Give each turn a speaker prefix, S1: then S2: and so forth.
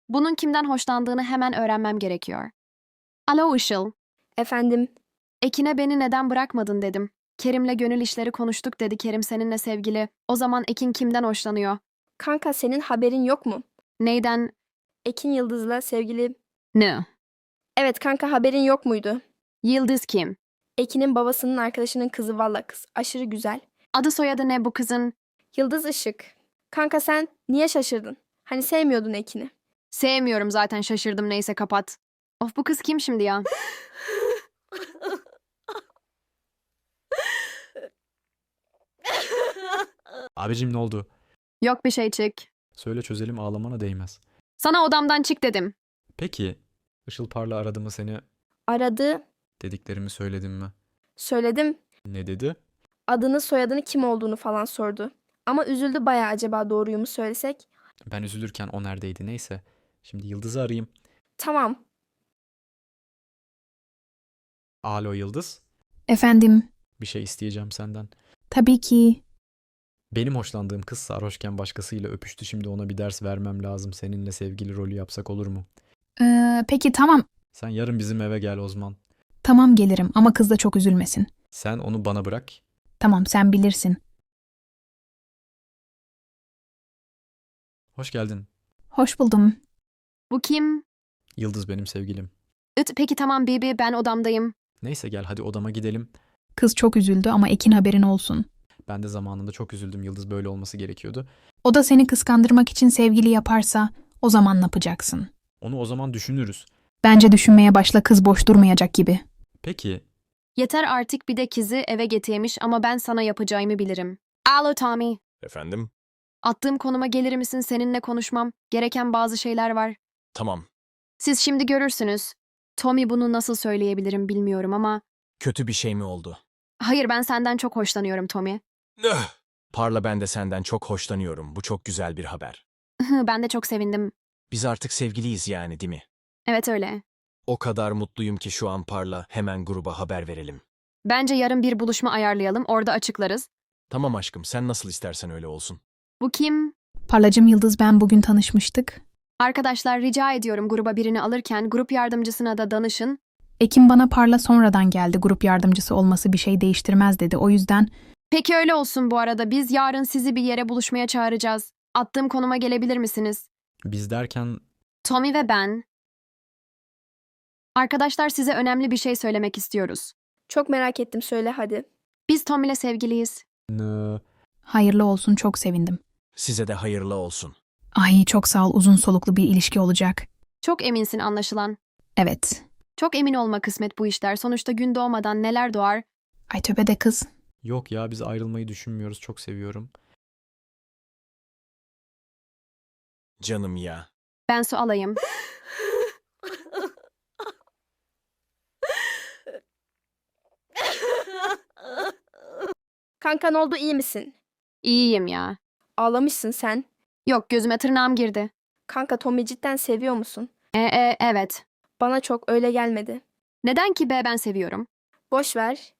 S1: Bunun kimden hoşlandığını hemen öğrenmem gerekiyor. Alo Işıl.
S2: Efendim,
S1: Ekin'e beni neden bırakmadın dedim. Kerim'le gönül işleri konuştuk dedi. Kerim seninle sevgili. O zaman Ekin kimden hoşlanıyor?
S2: kanka senin haberin yok mu?
S1: Neyden?
S2: Ekin Yıldız'la sevgili...
S1: Ne?
S2: Evet kanka haberin yok muydu?
S1: Yıldız kim?
S2: Ekin'in babasının arkadaşının kızı valla kız. Aşırı güzel.
S1: Adı soyadı ne bu kızın?
S2: Yıldız Işık. Kanka sen niye şaşırdın? Hani sevmiyordun Ekin'i.
S1: Sevmiyorum zaten şaşırdım neyse kapat. Of bu kız kim şimdi ya?
S3: Abicim ne oldu?
S1: Yok bir şey çık.
S3: Söyle çözelim, ağlamana değmez.
S1: Sana odamdan çık dedim.
S3: Peki, Işıl Parla aradı mı seni?
S2: Aradı,
S3: Dediklerimi söyledim mi?
S2: söyledim.
S3: Ne dedi?
S2: Adını soyadını kim olduğunu falan sordu. Ama üzüldü bayağı acaba doğruyu mu söylesek?
S3: Ben üzülürken o neredeydi neyse. Şimdi Yıldız'ı arayayım.
S2: Tamam.
S3: Alo Yıldız.
S4: Efendim,
S3: Bir şey isteyeceğim senden.
S4: tabii ki.
S3: Benim hoşlandığım kız sarhoşken başkasıyla öpüştü. Şimdi ona bir ders vermem lazım. Seninle sevgili rolü yapsak olur mu?
S4: Peki tamam,
S3: Sen yarın bizim eve gel Osman.
S4: tamam gelirim ama kız da çok üzülmesin.
S3: Sen onu bana bırak.
S4: Tamam, sen bilirsin.
S3: Hoş geldin.
S4: Hoş buldum.
S1: Bu kim?
S3: Yıldız benim sevgilim.
S1: Peki tamam Bibi ben odamdayım.
S3: Neyse gel hadi odama gidelim.
S4: Kız çok üzüldü ama Ekin haberin olsun.
S3: Ben de zamanında çok üzüldüm. Yıldız böyle olması gerekiyordu.
S4: O da seni kıskandırmak için sevgili yaparsa o zaman ne yapacaksın?
S3: Onu o zaman düşünürüz.
S4: Bence düşünmeye başla, kız boş durmayacak gibi.
S3: Peki,
S1: Yeter artık bir de kızı eve getirmiş ama ben sana yapacağımı bilirim. Alo Tommy.
S5: Efendim?
S1: Attığım konuma gelir misin seninle konuşmam? Gereken bazı şeyler var.
S5: Tamam.
S1: Siz şimdi görürsünüz. Tommy bunu nasıl söyleyebilirim bilmiyorum ama...
S5: Kötü bir şey mi oldu?
S1: Hayır ben senden çok hoşlanıyorum Tommy.
S5: Parla, ben de senden çok hoşlanıyorum. Bu çok güzel bir haber.
S1: Ben de çok sevindim.
S5: Biz artık sevgiliyiz yani, değil mi?
S1: Evet öyle.
S5: O kadar mutluyum ki şu an Parla. Hemen gruba haber verelim.
S1: Bence yarın bir buluşma ayarlayalım orada açıklarız.
S5: Tamam aşkım, sen nasıl istersen öyle olsun.
S1: Bu kim?
S4: Parlacım Yıldız, ben bugün tanışmıştık.
S1: Arkadaşlar rica ediyorum gruba birini alırken grup yardımcısına da danışın.
S4: Ekin bana Parla sonradan geldi, grup yardımcısı olması bir şey değiştirmez dedi. O yüzden
S1: Peki öyle olsun bu arada biz yarın sizi bir yere buluşmaya çağıracağız. Attığım konuma gelebilir misiniz?
S3: biz derken
S1: Tommy ve ben. Arkadaşlar size önemli bir şey söylemek istiyoruz.
S2: Çok merak ettim, söyle hadi.
S1: Biz Tommy'le sevgiliyiz.
S4: hayırlı olsun, çok sevindim.
S5: Size de hayırlı olsun.
S4: Ay çok sağ ol, uzun soluklu bir ilişki olacak.
S1: Çok eminsin anlaşılan.
S4: Evet.
S1: Çok emin olma kısmet bu işler. Sonuçta gün doğmadan neler doğar?
S4: Ay tövbe de kız.
S3: yok ya biz ayrılmayı düşünmüyoruz. Çok seviyorum.
S5: Canım ya.
S1: Ben su alayım.
S2: Kanka ne oldu, iyi misin?
S1: İyiyim ya.
S2: Ağlamışsın sen.
S1: Yok gözüme tırnağım girdi.
S2: Kanka Tommy cidden seviyor musun?
S1: Evet.
S2: Bana çok öyle gelmedi.
S1: Neden ki be ben seviyorum.
S2: Boş ver.